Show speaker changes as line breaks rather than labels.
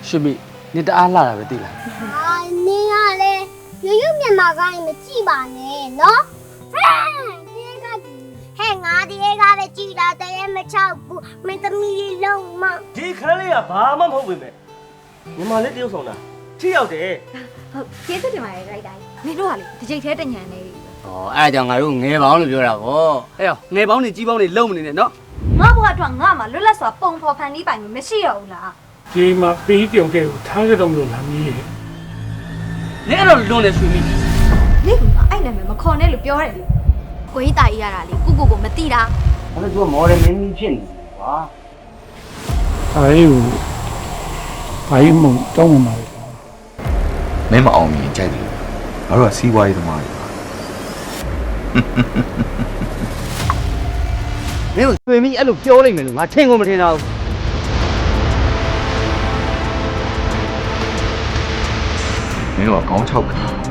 ရွှေမိနေတအားလှတာပဲသိလား
နင်းကလေရွမြန်မာကိုင်းမကြည့်ပါနဲ့နော်ဟဲ့ငါဒီကပဲကြည့်တာတည်းမချောက်ဘူးမင်းသမီးလေးလုံးမ
ဒီခန်းလေးကဘာမှမဟုတ်ပေမဲ့မြန်မာလေးတယောက်ဆောင်တာထိရောက်တယ်
ဟုတ်ကျေးဇူးတင်ပါတယ်ရိုက်တိုင်းမင်းတို့ကလေတစ်ချိန်သေးတညံနေပြီ
။ဩအဲ့ဒါကြောင့်ငါတို့ငယ်ပေါင်းလို့ပြောတာဗော။အဲ့ရောငယ်ပေါင်းနေကြီးပေါင်းနေလုံးမနေနဲ့နော်
ငါဘွားအတွက်ငါမှလွတ်လပ်စွာပုံဖော်ဖန်တီးပိုင်လို့မရှိရဘူးလား
ဒီမှာပေးကြုံခဲ့ကိုထားကြတော့မလို့လားမီးရဲ့
။နင်အဲ့တော့လွန်နေရွှေမိ
နေကအဲ့နာမည်မခေါ်နဲ့လို့ပြောတယ်လေကိုကြီးတာကြီးရတာလေကိုမသိတာ
။အဲ့တော့ तू မော်ဒယ်မင်းကြီးဖြစ်နေတယ်ကွာ
ဘာလို့မတောင်းမှာလဲ
မင်းမအောင်မြင်ကြိုက်တယ်ငါတို့ကစီးပွားရေးသမားတွေပါ
။မင်းတို့ရွှေမိအဲ့လိုပြောလိုက်မယ်လို့ငါထင်ကုန်မထင်တော့ဘူး
မင်းတို့ကခေါင်း6ခါ